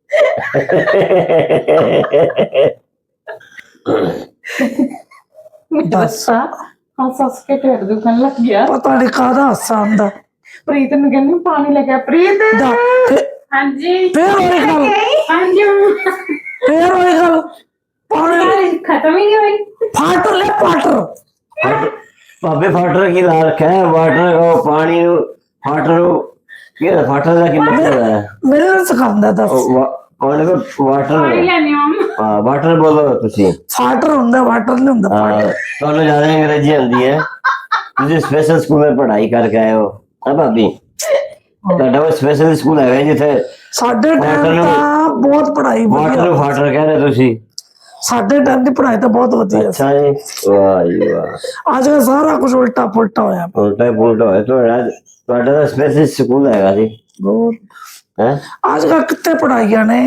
C: ਦੱਸ
B: ਹੱਸ ਕੇ ਢਿੱਡ ਦੁਖਣ ਲੱਗ ਗਿਆ।
C: ਪਤਾ ਨਹੀਂ ਕਾਹਦਾ ਹਾਸਾ ਆਉਂਦਾ।
B: ਪ੍ਰੀਤ ਨੂੰ ਕਹਿੰਦੀ ਪਾਣੀ ਲੈ ਕੇ ਆ। ਪ੍ਰੀਤ ਹਾਂਜੀ
C: ਫੇਰ ਉਹੀ ਗੱਲ,
B: ਹਾਂਜੀ
C: ਫੇਰ ਉਹੀ ਗੱਲ। ਪਾਣੀ
B: ਖਤਮ ਹੀ ਨਹੀਂ ਹੋਈ।
C: ਫਾਟਰ ਲੈ ਫਾਟਰ।
D: ਭਾਬੇ ਫਾਟਰ ਕੀ ਲਾ ਰੱਖਿਆ ਹੈ? ਵਾਟਰ ਉਹ ਪਾਣੀ ਨੂੰ ਫਾਟਰ ਕੀ ਫਾਟਰ ਦਾ ਕੀ ਮਤਲਬ ਹੈ?
C: ਮੇਰੇ ਨਾਲ ਸਿਖਾਉਂਦਾ ਦੱਸ।
D: ਕੌਣ ਕੋ ਵਾਟਰ
B: ਲੈਣੀ
D: ਹਾਂ ਵਾਟਰ ਬੋਲੋ ਤੁਸੀਂ।
C: ਫਾਟਰ ਹੁੰਦਾ, ਵਾਟਰ ਨਹੀਂ ਹੁੰਦਾ।
D: ਤੁਹਾਨੂੰ ਜ਼ਿਆਦਾ ਅੰਗਰੇਜ਼ੀ ਆਉਂਦੀ ਹੈ, ਤੁਸੀਂ ਸਪੈਸ਼ਲ ਸਕੂਲ में पढ़ाई करके आए हो, ਆ ਭਾਬੀ ਤੁਹਾਡਾ ਉਹ ਸਪੈਸ਼ਲ ਸਕੂਲ ਹੈਗਾ ਜਿੱਥੇ
C: ਸਾਡੇ ਟਾਈਮ ਤਾਂ ਬਹੁਤ ਪੜ੍ਹਾਈ ਵਧੀਆ
D: ਵਾਟਰ ਫਾਟਰ ਕਹਿ ਰਹੇ ਤੁਸੀਂ?
C: ਸਾਡੇ ਟਾਈਮ ਦੀ ਪੜ੍ਹਾਈ ਤਾਂ ਬਹੁਤ ਵਧੀਆ ਸੀ।
D: ਅੱਛਾ ਜੀ, ਵਾਹ ਜੀ ਵਾਹ।
C: ਅੱਜ ਕੱਲ੍ਹ ਸਾਰਾ ਕੁਝ ਉਲਟਾ ਪੁਲਟਾ ਹੋਇਆ ਪਿਆ।
D: ਉਲਟਾ ਹੀ ਪੁਲਟਾ ਹੋਇਆ ਤੁਹਾਡਾ ਤਾਂ ਸਪੈਸ਼ਲ ਸਕੂਲ ਹੈਗਾ ਜੀ
C: ਬਹੁਤ
D: ਹੈ।
C: ਅੱਜ ਕੱਲ੍ਹ ਕਿੱਥੇ ਪੜ੍ਹਾਈਆਂ ਨੇ।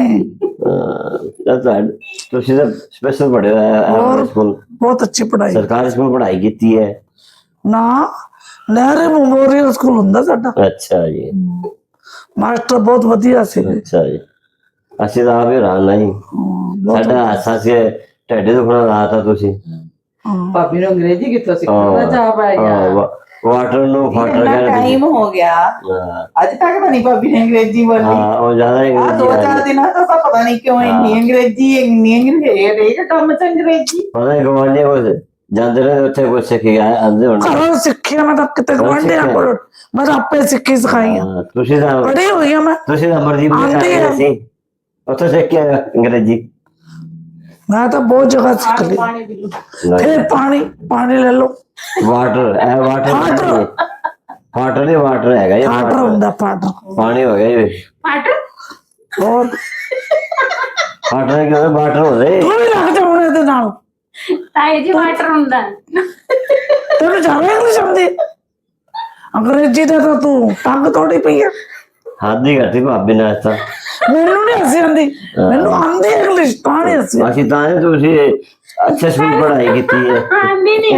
D: ਤੁਸੀਂ ਤਾਂ ਸਪੈਸ਼ਲ ਪੜ੍ਹੇ ਹੋਇਆ ਸਕੂਲ,
C: ਬਹੁਤ ਅੱਛੀ ਪੜ੍ਹਾਈ।
D: ਸਰਕਾਰੀ ਸਕੂਲ ਪੜ੍ਹਾਈ ਕੀਤੀ ਹੈ
C: ਨਾ ਨਹਿਰੂ ਮੈਮੋਰੀਅਲ ਸਕੂਲ ਹੁੰਦਾ ਸਾਡਾ।
D: ਅੱਛਾ ਜੀ,
C: ਮਾਸਟਰ ਬਹੁਤ ਵਧੀਆ ਸੀ।
D: ਅੱਛਾ ਜੀ। ਅਸੀਂ ਤਾਂ ਆਪ ਹੀ ਹੈਰਾਨ ਜੀ, ਸਾਡਾ ਹਾਸਾ ਸੀ ਢਿੱਡ ਦੁਖਣਾ ਲਾਤਾ ਤੁਸੀਂ।
A: ਭਾਬੀ ਨੂੰ ਅੰਗਰੇਜ਼ੀ ਕਿੱਥੋਂ ਸਿੱਖਣ ਦਾ ਚਾਹ ਪੈ ਗਿਆ।
D: ਵਾਟਰ ਨੂੰ ਫਾਟਰ
A: ਇੰਨਾ
D: ਕਹਿ ਰਹੇ
A: ਟਾਈਮ ਹੋ ਗਿਆ, ਅੱਜ ਤੱਕ ਤਾਂ ਨਹੀਂ ਭਾਬੀ ਨੇ ਅੰਗਰੇਜ਼ੀ ਬੋਲੀ।
D: ਹਾਂ ਉਹ ਜ਼ਿਆਦਾ ਹੀ
A: ਆ ਦੋ ਚਾਰ ਦਿਨਾਂ ਤੋਂ ਤਾਂ ਪਤਾ ਨਹੀਂ ਕਿਉਂ ਇੰਨੀ ਅੰਗਰੇਜ਼ੀ ਹਰੇਕ ਕੰਮ ਚ ਅੰਗਰੇਜ਼ੀ।
D: ਪਤਾ ਨਹੀਂ ਗਵਾਂਢੀ ਕੋਲ ਜਾਂਦੇ ਰਹੇ ਉੱਥੇ ਕੁਛ ਸਿੱਖ ਕੇ ਆਂਦੇ ਹੋਣੇ।
C: ਘਰੋਂ ਸਿੱਖਿਆ ਮੈਂ ਤਾਂ ਕਿਤੇ ਗਵਾਂਢੀਆਂ ਕੋਲ, ਮੈਂ ਤਾਂ ਆਪੇ ਸਿੱਖੀ ਸਿਖਾਈ ਆ।
D: ਤੁਸੀਂ ਤਾਂ
C: ਪੜ੍ਹੀ ਹੋਈ ਆ ਮੈਂ।
D: ਤੁਸੀਂ ਤਾਂ ਮਰਜ਼ੀ ਸੀ ਉੱਥੇ ਸਿੱਖ ਕੇ ਆਏ ਅੰਗਰੇਜ਼ੀ।
C: ਮੈਂ ਤਾਂ ਬਹੁਤ ਜਗ੍ਹਾ ਸਿੱਖ ਲਈ। ਫਿਰ ਪਾਣੀ ਲੈ ਲਓ।
D: ਵਾਟਰ ਇਹ ਵਾਟਰ ਵਾਟਰ ਨਹੀਂ ਵਾਟਰ ਹੈਗਾ ਇਹ
C: ਪਾਟਰ ਹੁੰਦਾ ਪਾਟਰ।
D: ਪਾਣੀ ਹੋ ਗਿਆ ਜੀ।
C: ਹੋਰ
D: ਵਾਟਰ ਕਿਉਂ ਵਾਟਰ ਹੋ ਗਏ?
C: ਤੂੰ ਵੀ ਲੱਗ ਜਾ ਹੁਣ ਇਹਦੇ ਨਾਲ।
B: ਤਾਏ ਜੀ ਵਾਟਰ ਹੁੰਦਾ।
C: ਤੈਨੂੰ ਜ਼ਿਆਦਾ ਇੰਗਲਿਸ਼ ਆਉਂਦੀ, ਅੰਗਰੇਜ਼ੀ ਦਾ ਤਾਂ ਤੂੰ ਟੰਗ ਤੋੜੀ ਪਈ ਆ।
D: ਹੱਦ ਹੀ ਕਰਤੀ ਭਾਬੀ ਨੇ ਅੱਜ ਤਾਂ।
C: ਮੈਨੂੰ ਨਹੀਂ ਹੱਸੀ ਆਉਂਦੀ, ਮੈਨੂੰ ਆਉਂਦੀ ਇੰਗਲਿਸ਼ ਤਾਂ ਨਹੀਂ ਹੱਸੀ।
D: ਅਸੀਂ ਤਾਂ ਹੀ ਤੁਸੀਂ ਅੱਛੇ ਸਕੂਲ ਪੜ੍ਹਾਈ ਕੀਤੀ ਹੈ।
B: ਆਂਦੀ ਨਹੀਂ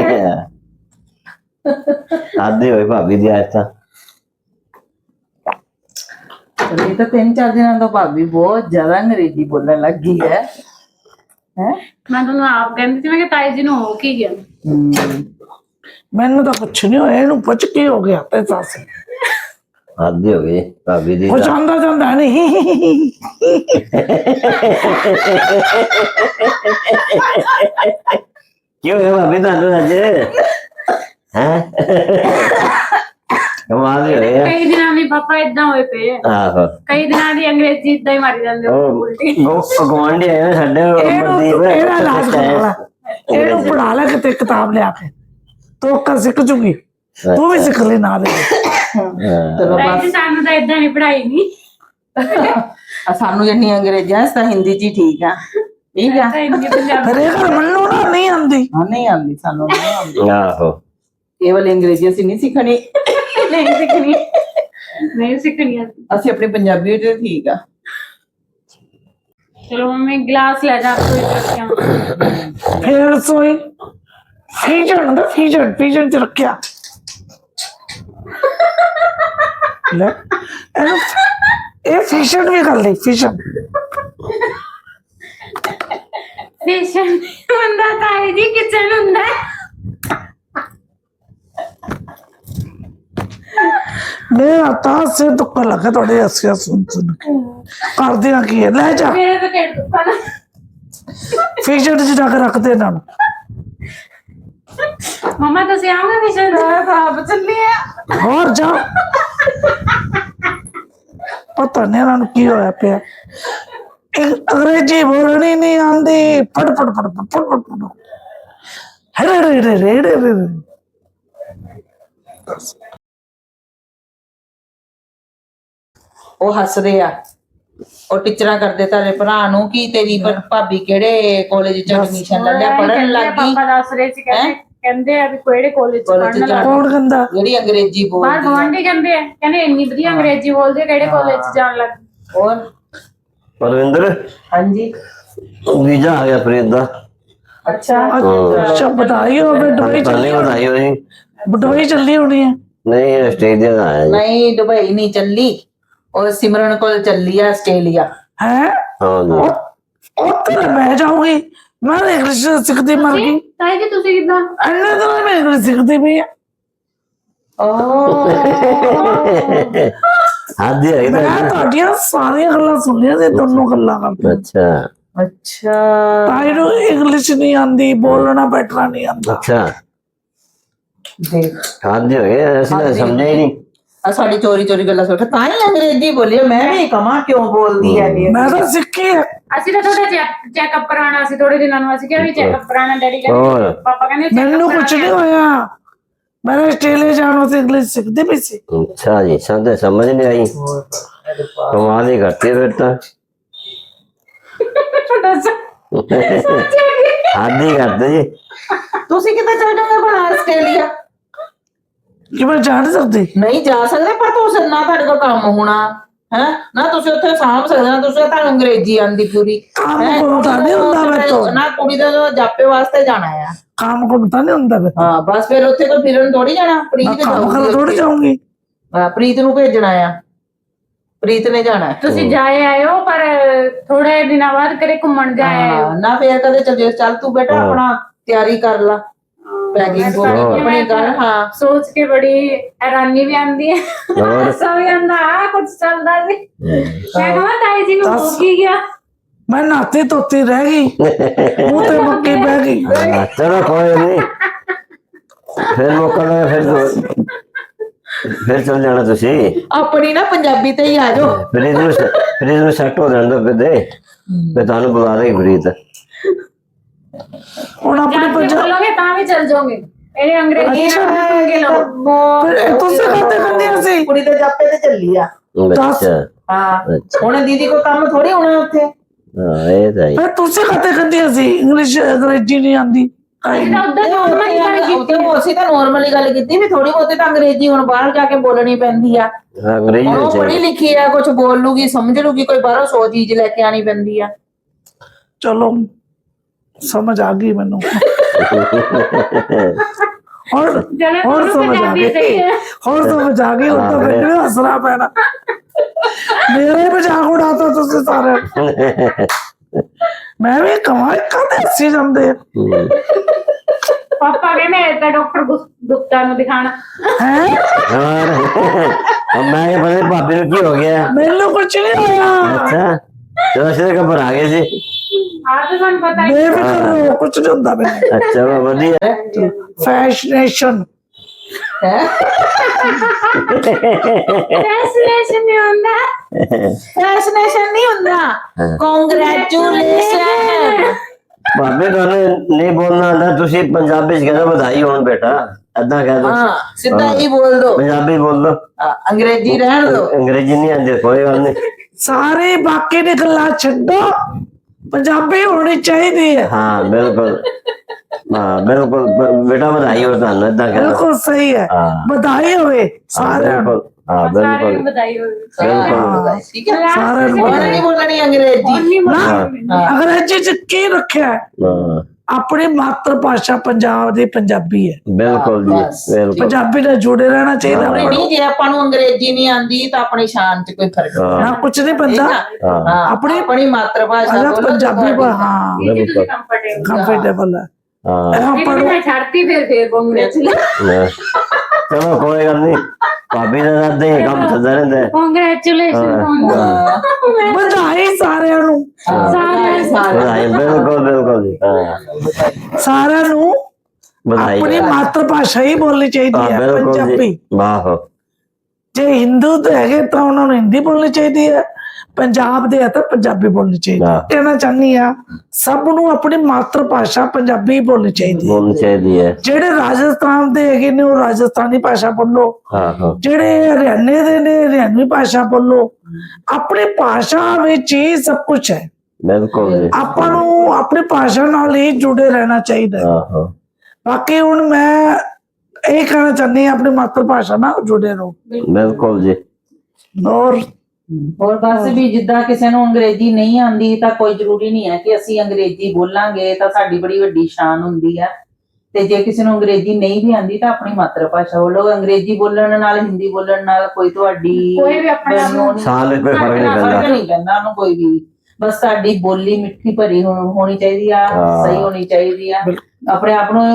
D: ਹੱਦ ਹੀ ਹੋਈ ਭਾਬੀ ਦੀ ਅੱਜ ਤਾਂ।
A: ਇਹ ਤਾਂ 3-4 ਦਿਨਾਂ ਤੋਂ ਭਾਬੀ ਬਹੁਤ ਜ਼ਿਆਦਾ ਅੰਗਰੇਜ਼ੀ ਬੋਲਣ ਲੱਗ ਗਈ ਹੈ। ਹੈ
B: ਮੈਂ ਤੁਹਾਨੂੰ ਆਪ ਕਹਿੰਦੀ ਸੀ, ਮੈਂ ਕਿ ਤਾਏ ਜੀ ਨੂੰ ਹੋ ਕੀ ਗਿਆ।
C: ਮੈਨੂੰ ਤਾਂ ਕੁਛ ਨਹੀਂ ਹੋਇਆ, ਇਹਨੂੰ ਪੁੱਛ ਕੀ ਹੋ ਗਿਆ ਤੇ ਸੱਸ।
D: ਹੱਦ ਹੀ ਹੋ ਗਈ ਭਾਬੀ ਦੀ
C: ਕੁਛ
D: ਤਾਂ।
C: ਆਉਂਦਾ ਜਾਂਦਾ ਨਹੀਂ।
D: ਕੀ ਹੋਇਆ ਭਾਬੀ ਤੁਹਾਨੂੰ ਅੱਜ? ਹੈ ਕਮਾਲ ਹੀ ਹੋਇਆ।
B: ਕਈ ਦਿਨਾਂ ਦੀ ਪਾਪਾ ਇਦਾਂ ਹੋਏ ਪਏ ਆ।
D: ਆਹੋ
B: ਕਈ ਦਿਨਾਂ ਦੀ ਅੰਗਰੇਜ਼ੀ ਇਦਾਂ ਹੀ ਮਾਰੀ ਜਾਂਦੇ ਹੋ ਉਲਟੀ।
D: ਉਹ ਗਵਾਂਢੀ ਆਏ ਸਾਡੇ
C: ਇਹਦਾ ਇਲਾਜ ਕਰਾ ਲੈ, ਇਹਨੂੰ ਪੜਾ ਲੈ ਕਿਤੇ ਕਿਤਾਬ ਲਿਆ ਕੇ, ਤੂੰ ਕਰ ਸਿੱਖ ਜੂਗੀ। ਤੂੰ ਵੀ ਸਿੱਖ ਲੈ ਨਾਲ।
A: ਚਲੋ
B: ਤਾਏ ਜੀ ਸਾਨੂੰ ਤਾਂ ਇਦਾਂ ਨਹੀਂ ਪੜਾਈ ਨਹੀਂ।
A: ਸਾਨੂੰ ਜਿੰਨੀ ਅੰਗਰੇਜ਼ੀ ਤਾਂ ਹਿੰਦੀ ਚ ਹੀ ਠੀਕ ਆ। ਠੀਕ ਆ,
B: ਇੰਨੀ ਪੰਜਾਬੀ
C: ਫਿਰ ਇਹ ਮੈਨੂੰ ਨਾ ਨਹੀਂ ਆਉਂਦੀ।
A: ਹਾਂ ਨਹੀਂ ਆਉਂਦੀ, ਸਾਨੂੰ ਨਹੀਂ ਆਉਂਦੀ।
D: ਆਹੋ
A: ਕੇਵਲ ਅੰਗਰੇਜ਼ੀ ਅਸੀਂ ਨਹੀਂ ਸਿੱਖਣੀ,
B: ਨਹੀਂ ਸਿੱਖਣੀ, ਨਹੀਂ ਸਿੱਖਣੀ।
A: ਅਸੀਂ ਆਪਣੀ ਪੰਜਾਬੀ ਵਿੱਚ ਠੀਕ ਆ।
B: ਚਲੋ ਮੰਮੀ ਗਲਾਸ ਲੈ ਜਾ ਕੋਈ ਰੱਖਿਆ।
C: ਫਿਰ ਸੋਈ ਫੀਜਣ ਦਾ ਫੀਜਣ ਚ ਰੱਖਿਆ ਲੈ ਇਹਨੂੰ। ਇਹ ਫਿਸ਼ਨ ਵੀ ਕਰ ਲਈ ਫਿਸ਼ਨ।
B: ਫੇਸ਼ਨ ਹੁੰਦਾ ਤਾਏ ਜੀ, ਕਿਚਨ ਹੁੰਦਾ।
C: ਮੇਰਾ ਤਾਂ ਸਿਰ ਦੁੱਖਣ ਲੱਗਾ ਤੁਹਾਡੇ ਹੱਸਿਆ ਸੁਣ ਕੇ। ਕਰਦਿਆਂ ਕੀ ਹੈ, ਲੈ ਜਾ
B: ਮੇਰੇ ਤਾਂ ਢਿੱਡ ਦੁਖਣਾ।
C: ਫਿਸ਼ਨ ਚ ਜਾ ਕੇ ਰੱਖਦੇ ਇਹਨਾਂ ਨੂੰ।
B: ਮਮਾ ਤੁਸੀਂ ਆਓਗੇ ਫੇਸ਼ਨ
A: ਆਪ ਚੱਲੀ ਆ।
C: ਹੋਰ ਜਾ। ਪਤਾ ਨਹੀਂ ਇਹਨਾਂ ਨੂੰ ਕੀ ਹੋਇਆ ਪਿਆ। ਅੰਗਰੇਜ਼ੀ ਬੋਲਣੀ ਨਹੀਂ ਆਉਂਦੀ। ਫੜ ਫੜ ਫੜ ਫੜ ਫੜ ਫੜ। ਹਰੇ ਰੇ ਰੇ ਰੇ ਰੇ।
A: ਉਹ ਹੱਸਦੇ ਆ, ਉਹ ਟੀਚਰਾਂ ਕਰਦੇ ਤਾਰੇ ਭਰਾ ਨੂੰ ਕਿ ਤੇਰੀ ਭਾਬੀ ਕਿਹੜੇ ਕਾਲਜ ਚ ਐਡਮਿਸ਼ਨ ਲੈ ਲਿਆ, ਪੜਨ ਲੱਗ ਗਈ।
B: ਪਾਪਾ ਦੱਸ ਰਹੇ ਸੀ, ਕਹਿੰਦੇ ਆ ਵੀ ਕਿਹੜੇ ਕਾਲਜ ਚ ਪੜਨ ਲੱਗ
C: ਕੌਣ ਕਹਿੰਦਾ?
A: ਜਿਹੜੀ ਅੰਗਰੇਜ਼ੀ
B: ਬਾਹਰ
A: ਬੋਲਦੀ
B: ਗਵਾਂਢੀ ਕਹਿੰਦੇ ਆ, ਕਹਿੰਦੇ ਇੰਨੀ ਵਧੀਆ ਅੰਗਰੇਜ਼ੀ ਬੋਲਦੇ, ਕਿਹੜੇ ਕਾਲਜ ਚ ਜਾਣ ਲੱਗ।
A: ਹੋਰ
D: ਪਰਵਿੰਦਰ
A: ਹਾਂਜੀ।
D: ਵੀਜ਼ਾ ਆ ਗਿਆ ਪ੍ਰੀਤ ਦਾ।
A: ਅੱਛਾ
C: ਅੱਛਾ ਬਧਾਈ ਹੋਵੇ। ਦੁਬਈ
D: ਤੁਹਾਨੂੰ ਵਧਾਈ ਹੋਈ।
C: ਦੁਬਈ ਚੱਲੀ ਹੋਣੀ ਹੈ।
D: ਨਹੀਂ ਆਸਟ੍ਰੇਲੀਆ ਦਾ ਆਇਆ ਜੀ।
A: ਨਹੀਂ ਦੁਬਈ ਨਹੀਂ ਚੱਲੀ, ਉਹ ਸਿਮਰਨ ਕੋਲ ਚੱਲੀ ਆ ਆਸਟ੍ਰੇਲੀਆ।
C: ਹੈ
D: ਹਾਂ ਜੀ।
C: ਉੱਥੇ ਤਾਂ ਮੈਂ ਜਾਊਂਗੀ। ਮੈਂ ਤਾਂ ਇੰਗਲਿਸ਼ ਸਿੱਖਦੀ ਮਰ ਗਈ।
B: ਤਾਏ ਜੀ ਤੁਸੀਂ ਕਿੱਦਾਂ?
C: ਇੰਨੇ ਦਿਨ ਮੈਂ ਇੰਗਲਿਸ਼ ਸਿੱਖਦੀ ਪਈ ਆ।
D: ਹੱਦ ਹੀ ਹੋਈ
C: ਮੈਂ ਤੁਹਾਡੀਆਂ ਸਾਰੀਆਂ ਗੱਲਾਂ ਸੁਣੀਆਂ ਤੇ ਦੋਨੋਂ ਗੱਲਾਂ ਕਰਦੇ।
D: ਅੱਛਾ
A: ਅੱਛਾ
C: ਤਾਈ ਨੂੰ ਇੰਗਲਿਸ਼ ਨਹੀਂ ਆਉਂਦੀ, ਬੋਲਣਾ ਬੈਠਣਾ ਨਹੀਂ ਆਉਂਦਾ।
D: ਅੱਛਾ
A: ਦੇਖ
D: ਹੱਦ ਹੀ ਹੋਈ। ਅਸੀਂ ਤਾਂ ਸਮਝਿਆ ਹੀ ਨਹੀਂ।
A: ਆ ਸਾਡੀ ਚੋਰੀ ਚੋਰੀ ਗੱਲਾਂ ਸੁਣ ਕੇ ਤਾਂ ਹੀ ਅੰਗਰੇਜ਼ੀ ਬੋਲੀ। ਮੈਂ ਵੀ ਕਮਾ ਕਿਉਂ ਬੋਲਦੀ ਹੈ ਇਹ।
C: ਮੈਂ ਤਾਂ ਸਿੱਖੀ ਹੈ।
B: ਅਸੀਂ ਤਾਂ ਥੋੜਾ ਚੈੱਕਅਪ ਕਰਾਉਣਾ ਸੀ ਥੋੜੇ ਦਿਨਾਂ ਨੂੰ। ਅਸੀਂ ਕਿਹਾ ਵੀ ਚੈੱਕਅਪ ਕਰਾਉਣਾ। ਡੈਡੀ
D: ਹੋਰ।
B: ਕਹਿੰਦੇ ਪਾਪਾ ਕਹਿੰਦੇ
C: ਮੈਨੂੰ ਕੁਝ ਨਹੀਂ ਹੋਇਆ। मैं ऑस्ट्रेलिया जाना से इंग्लिश सीखती भी सी।
D: अच्छा जी, समझ समझ नहीं आई, कमाल ही करती है फिर तो। हद ही करते जी।
A: ਤੁਸੀਂ ਕਿੱਥੇ ਚਲ ਜਾਓਗੇ ਭਲਾ ਆਸਟ੍ਰੇਲੀਆ?
C: कि मैं जा नहीं सकती।
A: ਨਹੀਂ ਜਾ ਸਕਦੇ, ਪਰ ਤੁਸੀਂ ਨਾ ਤੁਹਾਡੇ ਕੋਲ ਕੰਮ ਹੋਣਾ ਹੈ ਨਾ, ਤੁਸੀਂ ਉੱਥੇ ਸਾਂਭ ਸਕਦੇ ਨਾ, ਤੁਸੀਂ ਤੁਹਾਨੂੰ ਅੰਗਰੇਜ਼ੀ ਆਂਦੀ ਪੂਰੀ
C: काम
A: ਹੈਂ?
C: करता नहीं होता मैं तो,
A: ਨਾ ਕੁੜੀ ਦਾ ਜਾਪੇ ਵਾਸਤੇ ਜਾਣਾ ਆ।
C: काम करता नहीं होता मैं।
A: ਹਾਂ ਬਸ ਫਿਰ ਉੱਥੇ ਕੋਈ ਫਿਰਨ ਥੋੜੀ ਜਾਣਾ,
C: मैं
A: ਪ੍ਰੀਤ
C: काम कर
A: ਜਾਊਗੀ
C: थोड़ी
A: ਉੱਥੇ।
C: जाऊंगी।
A: ਹਾਂ, ਪ੍ਰੀਤ ਨੂੰ ਭੇਜਣਾ ਆ, ਪ੍ਰੀਤ ਨੇ ਜਾਣਾ ਹੈ।
B: ਤੁਸੀਂ ਜਾਏ ਆਇਓ, ਪਰ ਥੋੜੇ ਦਿਨਾਂ ਬਾਅਦ ਕਰੇ ਘੁੰਮਣ ਜਾਏ ਆਇਓ।
A: ਹਾਂ, ਨਾ ਫੇਰ ਕਦੇ ਚੱਲ ਜਿਓ। ਚੱਲ ਤੂੰ ਬੇਟਾ ਆਪਣਾ ਤਿਆਰੀ ਕਰ ਲਾ, ਪੈਕਿੰਗ ਆਪਣੀ ਕਰ। ਹਾਂ
B: ਸੋਚ ਕੇ ਬੜੀ ਹੈਰਾਨੀ ਵੀ ਆਂਦੀ ਹੈ,
D: और
B: ਹਾਸਾ ਵੀ ਆਂਦਾ, ਆ ਕੁਝ ਚੱਲਦਾ ਸੀ। ਮੈਂ ਕਹਾਂ ਤਾਈ ਜੀ ਨੂੰ ਹੋ ਕੀ ਗਿਆ।
C: मैं नहाती धोती रह गई, मुंह ते मक्की बह गई।
D: हाँ, चलो कोई नहीं, फिर मौका लगा फिर चल जाना तुसी।
A: ਆਪਣੀ ਨਾ ਪੰਜਾਬੀ ਤੇ ਹੀ ਆ ਜਾਓ।
D: फ्रीज में सेट हो जाने दो फिर दे, फिर थानू बुला देगी फ्रीज।
C: ਹੁਣ ਆਪਣੀ
B: ਜਾਣ ਕੇ
C: पंजाब
B: ਬੋਲੋਗੇ ਤਾਂ ਵੀ ਚੱਲ ਜਾਓਗੇ। ਇਹ ਅੰਗਰੇਜ਼ੀ ਨਾਲ ਬੋਲੋਗੇ ਲੋਕ।
C: फिर तुझसे खाते करनी सी।
A: ਕੁੜੀ ਦੇ ਜਾਪੇ ਤੇ ਚੱਲੀ ਆ।
D: अच्छा
A: ਹਾਂ
D: अच्छा,
A: ਹੁਣ ਦੀਦੀ ਕੋ ਕੰਮ ਥੋੜੀ ਹੋਣਾ ਉੱਥੇ।
D: हाँ ये तो है।
C: फिर तुझसे खाते करनी सी, इंग्लिश अंग्रेजी नहीं आंदी।
B: ਅਸੀਂ ਤਾਂ ਉਧਰ ਨੋਰਮਲ ਹੀ ਗੱਲ ਕੀਤੀ।
A: ਅਸੀਂ ਤਾਂ ਨੋਰਮਲੀ ਗੱਲ ਕੀਤੀ ਵੀ ਥੋੜੀ ਬਹੁਤੀ ਤਾਂ ਅੰਗਰੇਜ਼ੀ ਹੁਣ ਬਾਹਰ ਜਾ ਕੇ ਬੋਲਣੀ ਪੈਂਦੀ ਆ।
D: हाँ, अंग्रेजी
A: ਹੁਣ
D: में
A: ਉਹ ਪੜ੍ਹੀ
D: चाहिए।
A: ਲਿਖੀ ਆ, ਕੁਝ ਬੋਲ ਲੂਗੀ, ਸਮਝ ਲੂਗੀ, ਕੋਈ ਬਾਹਰੋਂ 100 ਚੀਜ਼ ਲੈ ਕੇ ਆਣੀ ਪੈਂਦੀ ਆ।
C: चलो समझ आ गई मैनू। और
B: चलो
C: और
B: दोनों
C: समझ आ
B: पंजाबी सही
C: गई,
B: है।
C: और समझ आ गई। उतना
D: हाँ,
C: फिर हंसना पैना, मेरे ही मजाक उड़ाता तुझसे सारे। मैं भी कमाई करते हंसी जाते
B: ਪਾਪਾ ਕਹਿੰਦੇ ਇਹ ਤਾਂ ਡਾਕਟਰ ਗੁਪਤਾ ਨੂੰ ਦਿਖਾਣਾ।
C: हैं।
D: और अब मैं क्या पता भाभी को की हो गया।
C: मैनू कुछ नहीं होया,
D: अच्छा, चलो सीधे कबर आ गए जी।
B: ਆ ਤਾਂ ਤੁਹਾਨੂੰ ਪਤਾ ਹੀ।
C: बेफिक्र रहो, कुछ नहीं होता मैनू।
D: अच्छा वो बढ़िया।
C: फैशनेशन
B: Fascination ਨਹੀਂ ਹੁੰਦਾ।
A: ਫੈਸ਼ਨੇਸ਼ਨ ਨਹੀਂ ਹੁੰਦਾ, ਕੰਗ੍ਰੈਚੁਲੇਸ਼ਨ।
D: भाभी तो नहीं बोलना आता, तुसी पंजाबी च कह दो बधाई होन बेटा, ऐदा कह दो।
A: ਹਾਂ ਸਿੱਧਾ ਹੀ ਬੋਲ ਦੋ,
D: पंजाबी बोल दो,
A: ਅੰਗਰੇਜ਼ੀ ਰਹਿਣ ਦੋ।
D: अंग्रेजी नहीं आती कोई गल नहीं।
C: सारे बाकी दी गल्लां छड्डो, पंजाबी होनी चाहिए है।
D: हाँ बिल्कुल, हाँ बिल्कुल बेटा बधाई हो थानू, ऐदा कह दो।
C: बिल्कुल सही है,
D: हाँ
C: बधाई होवे सारे।
D: बिल्कुल, हाँ
B: ਸਾਰਿਆਂ
D: बिल्कुल
B: ਨੂੰ ਵਧਾਈ ਹੋਵੇ।
D: बिल्कुल।
A: ਠੀਕ ਹੈ,
C: सारे
A: ਹੁਣ ਨਹੀਂ ਬੋਲਣੀ ਅੰਗਰੇਜ਼ੀ।
B: ਨਹੀਂ
C: ना अंग्रेजी च की रखा है,
D: हाँ,
C: अपनी मातृभाषा पंजाब दी पंजाबी है।
D: बिल्कुल जी
A: बस।
D: बिल्कुल।
C: पंजाबी नाल जुड़े रहना चाहिए।
A: ਜ਼ਰੂਰੀ ਨਹੀਂ ਜੇ ਆਪਾਂ ਨੂੰ ਅੰਗਰੇਜ਼ੀ ਨਹੀਂ ਆਂਦੀ ਤਾਂ ਆਪਣੀ ਸ਼ਾਨ 'ਚ ਕੋਈ ਫਰਕ ਨਹੀਂ।
C: ना कुछ नहीं बनता,
D: हाँ
A: ਹਾਂ
C: ਆਪਣੀ-
A: ਆਪਣੀ ਮਾਤਰ ਭਾਸ਼ਾ
C: अगर
A: ਬੋਲੋ।
C: पंजाबी पर हाँ
B: ਇਹ ਜੀ ਤੁਸੀਂ ਕੰਫਰਟੇਬਲ।
C: कंफर्टेबल है।
D: हाँ
C: यहाँ
B: ਇਹ
C: पर
B: ਮੈਂ ਛੱਡਤੀ ਫਿਰ ਕੰਗ੍ਰੈਚੁਲੇਸ਼ਨ।
D: हाँ। चलो कोई गल नहीं, भाभी का दादे काम चलता रहता है।
B: ਕੰਗ੍ਰੈਚੁਲੇਸ਼ਨ।
C: बधाई सारे नू,
D: बधाई बिल्कुल बिल्कुल जी। हाँ
C: सारे नू
D: बधाई।
C: अपनी मातृभाषा ही बोलनी चाहिए
D: हाँ
C: है,
D: बिल्कुल
C: पंजाबी।
D: जी, वाह।
C: जे हिंदू तो है तो उन्होंने हिंदी बोलनी चाहिए है, पंजाब दे है तो पंजाबी बोलनी चाहिए।
D: हाँ।
C: कहना चाहनी आ सब नू अपनी मातृभाषा पंजाबी ही बोलनी चाहिए।
D: बोलनी चाहिए है।
C: जेड़े राजस्थान दे है ने वो राजस्थानी भाषा बोलो,
D: हाँ हाँ
C: जेड़े हरियाणे दे ने हरियाणवी भाषा बोलो। अपनी भाषा विच ही सब कुछ है।
D: बिल्कुल जी।
C: ਆਪਾਂ ਨੂੰ ਆਪਣੀ ਭਾਸ਼ਾ ਨਾਲ ਹੀ ਜੁੜੇ ਰਹਿਣਾ ਚਾਹੀਦਾ ਹੈ।
D: हाँ हाँ
C: ਬਾਕੀ ਹੁਣ ਮੈਂ ਇਹ ਕਹਿਣਾ ਚਾਹੁੰਦੀ ਹਾਂ ਆਪਣੀ ਮਾਤਰ ਭਾਸ਼ਾ ਨਾਲ ਜੁੜੇ ਰਹੋ।
D: बिल्कुल जी।
C: ਔਰ
A: ਹੋਰ ਬਸ ਵੀ ਜਿੱਦਾਂ ਕਿਸੇ ਨੂੰ ਅੰਗਰੇਜ਼ੀ ਨਹੀਂ ਆਂਦੀ ਤਾਂ ਕੋਈ ਜ਼ਰੂਰੀ ਨਹੀਂ ਹੈ ਕਿ ਅਸੀਂ ਅੰਗਰੇਜ਼ੀ ਬੋਲਾਂਗੇ ਤਾਂ ਸਾਡੀ ਬੜੀ ਵੱਡੀ ਸ਼ਾਨ ਹੁੰਦੀ ਹੈ। ਤੇ ਜੇ ਕਿਸੇ ਨੂੰ ਅੰਗਰੇਜ਼ੀ ਨਹੀਂ ਵੀ ਆਂਦੀ ਤਾਂ ਆਪਣੀ ਮਾਤਰ ਭਾਸ਼ਾ ਬੋਲੋ। ਅੰਗਰੇਜ਼ੀ ਬੋਲਣ ਨਾਲ ਹਿੰਦੀ ਬੋਲਣ ਨਾਲ ਕੋਈ ਤੁਹਾਡੀ
B: ਕੋਈ ਵੀ ਆਪਣੇ ਆਪ ਨੂੰ
D: साल में कोई फर्क नहीं
A: ਫਰਕ
D: पड़ता।
A: ਨਹੀਂ ਪੈਂਦਾ ਉਹਨੂੰ ਕੋਈ ਵੀ। ਬਸ ਸਾਡੀ ਬੋਲੀ ਮਿੱਠੀ ਭਰੀ ਹੋਣੀ ਚਾਹੀਦੀ ਆ,
D: ਹਾਂ।
A: ਸਹੀ ਹੋਣੀ ਚਾਹੀਦੀ ਆ। ਆਪਣੇ ਆਪ ਨੂੰ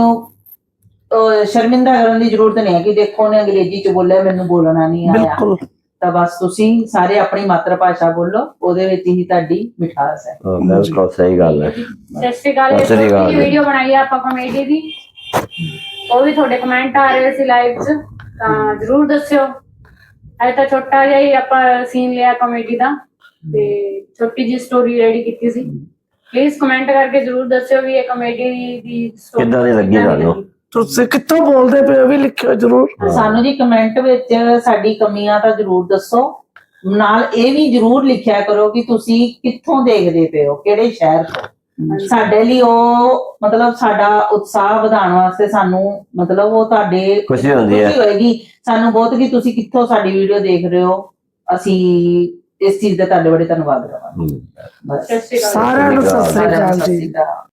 A: ਸ਼ਰਮਿੰਦਾ ਕਰਨ ਦੀ ਜ਼ਰੂਰਤ ਨਹੀਂ ਹੈ ਕਿ ਦੇਖੋ ਉਹਨੇ ਅੰਗਰੇਜ਼ੀ ਚ ਬੋਲਿਆ ਮੈਨੂੰ ਬੋਲਣਾ ਨਹੀਂ ਆਇਆ।
C: ਬਿਲਕੁਲ
A: ਤਾਂ ਬਸ ਤੁਸੀਂ ਸਾਰੇ ਆਪਣੀ ਮਾਤਰ ਭਾਸ਼ਾ ਬੋਲੋ, ਉਹਦੇ ਵਿੱਚ ਹੀ ਤੁਹਾਡੀ ਮਿਠਾਸ ਹੈ।
D: हाँ, बिल्कुल सही गल है।
B: ਸਤਿ ਸ਼੍ਰੀ ਅਕਾਲ।
D: ਸਤਿ ਸ਼੍ਰੀ ਅਕਾਲ।
B: ਵੀਡੀਓ ਬਣਾਈ ਆ ਆਪਾਂ ਕਾਮੇਡੀ ਦੀ, ਉਹ ਵੀ ਤੁਹਾਡੇ ਕਮੈਂਟ ਆ ਰਹੇ ਸੀ ਲਾਈਵ 'ਚ, ਤਾਂ ਜਰੂਰ ਦੱਸਿਓ। ਅੱਜ ਤਾਂ ਛੋਟਾ ਜਿਹਾ ਹੀ ਆਪਾਂ ਸੀਨ ਲਿਆ ਕਾਮੇਡੀ ਦਾ ਤੇ ਛੋਟੀ ਜਿਹੀ ਸਟੋਰੀ ਰੈਡੀ ਕੀਤੀ ਸੀ। ਪਲੀਜ਼ ਕਮੈਂਟ ਕਰਕੇ ਜਰੂਰ ਦੱਸਿਓ ਵੀ ਇਹ ਕਾਮੇਡੀ ਦੀ story
D: ਕਿੱਦਾਂ ਦੀ ਲੱਗੀ
B: ਕਿੱਦਾਂ
D: ਤੁਹਾਨੂੰ?
C: ਤੁਸੀਂ ਕਿੱਥੋਂ ਬੋਲਦੇ ਪਏ ਹੋ ਵੀ ਲਿਖਿਓ ਜਰੂਰ।
A: ਸਾਨੂੰ ਜੀ ਕਮੈਂਟ ਵਿੱਚ ਸਾਡੀ ਕਮੀਆਂ ਤਾਂ ਜ਼ਰੂਰ ਦੱਸੋ, ਨਾਲ ਇਹ ਵੀ ਜ਼ਰੂਰ ਲਿਖਿਆ ਕਰੋ ਕਿ ਤੁਸੀਂ ਕਿੱਥੋਂ ਦੇਖਦੇ ਪਏ ਹੋ, ਕਿਹੜੇ ਸ਼ਹਿਰ ਤੋਂ। ਸਾਡੇ ਲਈ ਉਹ ਮਤਲਬ ਸਾਡਾ ਉਤਸ਼ਾਹ ਵਧਾਉਣ ਵਾਸਤੇ ਸਾਨੂੰ ਮਤਲਬ ਉਹ ਤੁਹਾਡੇ
D: ਖੁਸ਼ੀ ਹੁੰਦੀ ਹੈ।
A: ਖੁਸ਼ੀ ਹੋਏਗੀ ਸਾਨੂੰ ਬਹੁਤ ਕਿ ਤੁਸੀਂ ਕਿੱਥੋਂ ਸਾਡੀ ਵੀਡੀਓ ਦੇਖ ਰਹੇ ਹੋ। ਅਸੀਂ ਇਸ ਚੀਜ਼ ਦਾ ਤੁਹਾਡੇ ਬੜੇ ਧੰਨਵਾਦ ਕਰਾਂਗੇ। ਬਸ
B: ਸਤਿ ਸ਼੍ਰੀ ਅਕਾਲ।
C: ਸਾਰਿਆਂ ਨੂੰ ਸਤਿ ਸ੍ਰੀ ਅਕਾਲ
A: ਸਤਿ
C: ਜੀ।
A: ਸ਼੍ਰੀ ਅਕਾਲ।